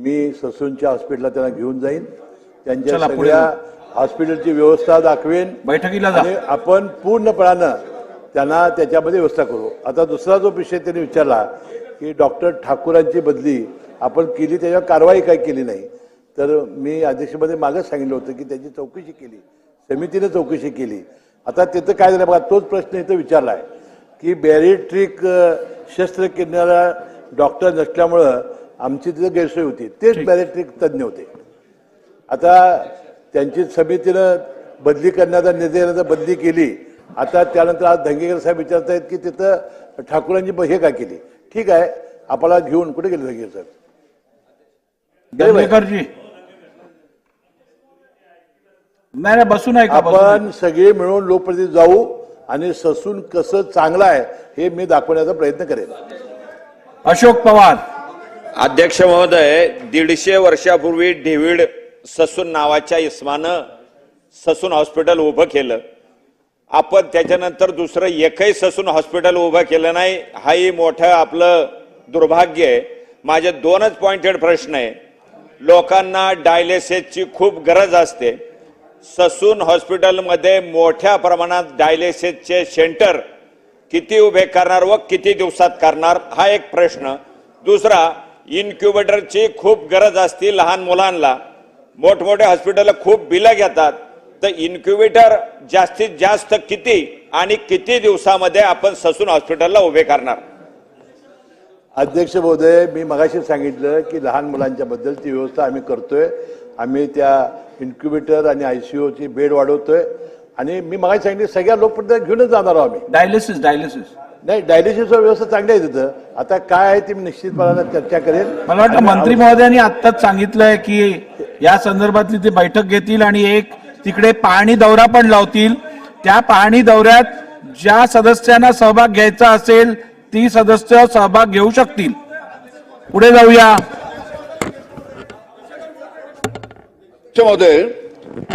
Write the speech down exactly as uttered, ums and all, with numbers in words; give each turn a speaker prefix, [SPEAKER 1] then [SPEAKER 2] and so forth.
[SPEAKER 1] मी ससूनच्या हॉस्पिटलला त्यांना घेऊन जाईन, त्यांच्या सगळ्या हॉस्पिटलची व्यवस्था दाखवेन
[SPEAKER 2] बैठकीला
[SPEAKER 1] आणि आपण पूर्णपणानं त्यांना त्याच्यामध्ये व्यवस्था करू। आता दुसरा जो विषय त्यांनी विचारला की डॉक्टर ठाकूरांची बदली आपण केली, त्याच्यावर कारवाई काय केली नाही, तर मी अध्यक्षमध्ये मागच सांगितलं होतं की त्याची चौकशी केली, समितीने चौकशी केली। आता तिथं काय झालं बघा, तोच प्रश्न इथं विचारला आहे की बॅरिट्रिक शस्त्रक्रियेला डॉक्टर नसल्यामुळं आमची तिथं गैरसोय होती, तेच बॅरिट्रिक तज्ज्ञ होते। आता त्यांची समितीनं बदली करण्याचा निर्णय देण्याचा बदली केली। आता त्यानंतर आज धंगेकर साहेब विचारत आहेत की तिथं ठाकूरांची हे काय केली। ठीक आहे, आपल्याला घेऊन कुठे गेले धंगेकर साहेब?
[SPEAKER 2] धंगेकरजी नाही नाही बसून आहे का?
[SPEAKER 1] आपण सगळे मिळून लोकप्रतिनिधी जाऊ आणि ससून कसं चांगलं आहे हे मी दाखवण्याचा प्रयत्न करेन।
[SPEAKER 2] अशोक पवार
[SPEAKER 3] अध्यक्ष महोदय, दीडशे वर्षापूर्वी डेव्हिड ससून नावाच्या इस्मानं ससून हॉस्पिटल उभं केलं। आपण त्याच्यानंतर दुसरं एकही ससून हॉस्पिटल उभं केलं नाही, हाही मोठं आपलं दुर्भाग्य आहे। माझे दोनच पॉइंटेड प्रश्न आहे। लोकांना डायलिसिसची खूप गरज असते, ससून हॉस्पिटलमध्ये मोठ्या प्रमाणात डायलिसिसचे सेंटर किती उभे करणार व किती दिवसात करणार, हा एक प्रश्न। दुसरा, इन्क्युबेटरची खूप गरज असते लहान मुलांना, मोठमोठे हॉस्पिटल खूप बिलं घेतात, तर इन्क्युबेटर जास्तीत जास्त किती आणि किती दिवसामध्ये आपण ससून हॉस्पिटलला उभे करणार?
[SPEAKER 1] अध्यक्ष महोदय, मी मगाशी सांगितलं की लहान मुलांच्या बद्दलची व्यवस्था आम्ही करतोय। आम्ही त्या इन्क्युबेटर आणि आयसीयूची बेड वाढवतोय आणि मी मगाशी सांगितलं सगळ्या लोकप्रतिनिधी घेऊनच जाणार आहोत आम्ही।
[SPEAKER 2] डायलिसिस डायलिसिस
[SPEAKER 1] नाही, डायलिसिसची व्यवस्था चांगली आहे तिथं। आता काय आहे ती मी निश्चितपणाने चर्चा करेन।
[SPEAKER 2] मला वाटतं मंत्री महोदयांनी आत्ताच सांगितलंय की या संदर्भातली ते बैठक घेतील आणि एक तिकडे पाहणी दौरा पण लावतील। त्या पाहणी दौऱ्यात ज्या सदस्यांना सहभाग घ्यायचा असेल ती सदस्य सहभाग घेऊ शकतील। पुढे जाऊया
[SPEAKER 4] महोदय,